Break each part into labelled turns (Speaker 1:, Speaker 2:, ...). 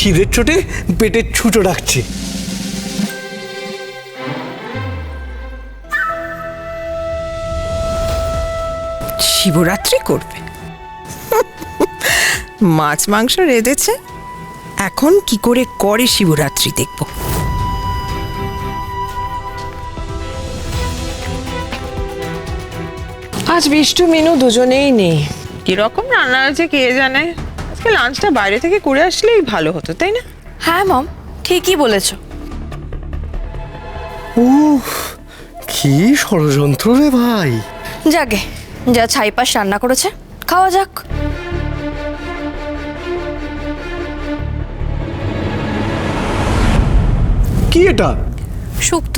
Speaker 1: খিদের চোটে পেটে ছুটো ডাকছে।
Speaker 2: শিবরাত্রি করবে, মাছ মাংস রেঁধেছে, এখন কি করে করে শিবরাত্রি দেখব। আজ বিষ্টু মিনু দুজনেই নেই, কিরকম রান্না হয়েছে কে জানে। আজকে লাঞ্চটা বাইরে থেকে করে আসলেই ভালো হতো, তাই না?
Speaker 3: হ্যাঁ মম, ঠিকই বলেছ।
Speaker 1: উফ, কি ষড়যন্ত্র রে ভাই।
Speaker 3: যাকে যা ছাইপাশ রান্না করেছে খাওয়া যাক।
Speaker 1: কি এটা?
Speaker 3: শুক্তো।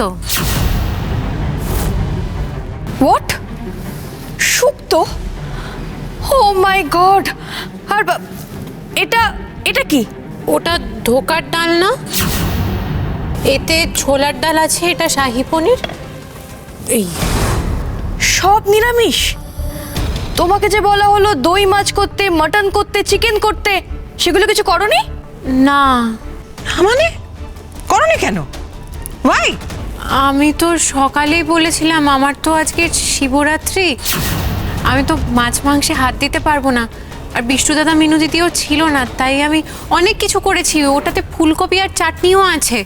Speaker 3: What? Shukto? O my god! আর এটা এটা কি?
Speaker 4: ওটা ধোকার ডাল না, এতে ছোলার ডাল আছে, এটা শাহী পনির। এই
Speaker 3: সব নিরামিষ? তোমাকে যে বলা হলো দই মাছ করতে, মটন করতে, চিকেন করতে, সেগুলো কিছু করনি?
Speaker 4: না,
Speaker 2: মানে করনি কেন? ভাই
Speaker 4: আমি তো সকালেই বলেছিলাম আমার তো আজকে শিবরাত্রি, আমি তো মাছ মাংসে হাত দিতে পারবো না। আর বিষ্টু দাদা মিনু দিদিও ছিল না, তাই আমি অনেক কিছু করেছি, ওটাতে ফুলকপি আর চাটনিও আছে।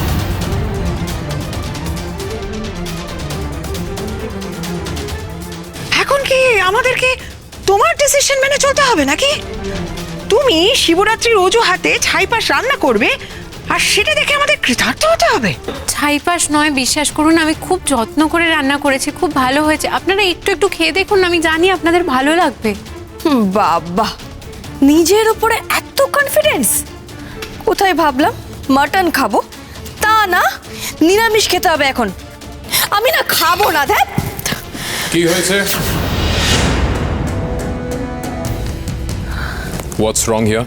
Speaker 2: এখন কি আমাদেরকে তোমার ডিসিশন মেনে চলতে হবে নাকি? তুমি শিবরাত্রির অজুহাতে ছাইপাশ রান্না করবে আর সেটা দেখে আমাদের কৃতার্থ হতে হবে?
Speaker 4: ছাইপাশ নয়, বিশ্বাস করুন আমি খুব যত্ন করে রান্না করেছি, খুব ভালো হয়েছে। আপনারা একটু একটু খেয়ে দেখুন, আমি জানি আপনাদের ভালো লাগবে।
Speaker 3: বাবা, নিজের উপরে এত কনফিডেন্স! কোথায় ভাবলাম মটন খাবো, তা না নিরামিষ খেতে হবে এখন। আমি না খাবো না। ধ্যাৎ,
Speaker 5: কি হয়েছে? What's wrong here?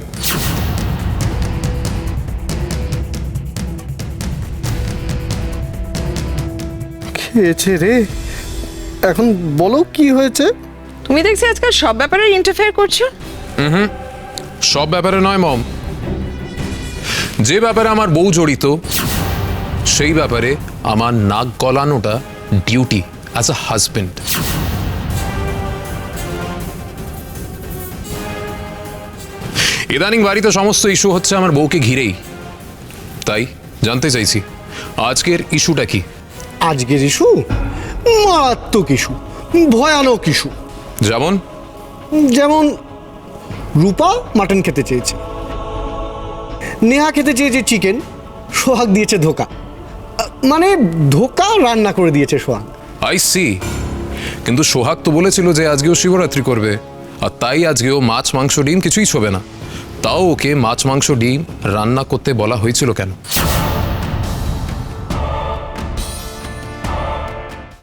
Speaker 1: খেয়েছে রে, এখন বলো কি হয়েছে?
Speaker 2: তুমি দেখছি আজকাল সব ব্যাপারে ইন্টারফেয়ার করছো।
Speaker 5: সব ব্যাপারে নয় মম, যে ব্যাপারে আমার বউ জড়িত সেই ব্যাপারে আমার নাক গলানোটা ডিউটি অ্যাজ আ হাজবেন্ড। ইদানিং বাড়িতে সমস্ত ইস্যু হচ্ছে আমার বউকে ঘিরেই, তাই জানতে চাইছি আজকের ইস্যুটা কি।
Speaker 1: আজকের ইস্যু মারাত্মক ইস্যু, ভয়ানক ইস্যু।
Speaker 5: যেমন?
Speaker 1: যেমন রূপা মাটন খেতে চেয়েছে, নেহা খেতে চেয়েছে চিকেন, সোহাগ দিয়েছে ধোকা। মানে ধোকা রান্না করে দিয়েছে সোহাগ।
Speaker 5: I C. কিন্তু সোহাগ তো বলেছিল যে আজকেও শিবরাত্রি করবে, আর তাই আজকেও মাছ মাংস ডিম কিছুই ছোবে না। তাও ওকে মাছ মাংস ডিম রান্না করতে বলা হয়েছিল কেন?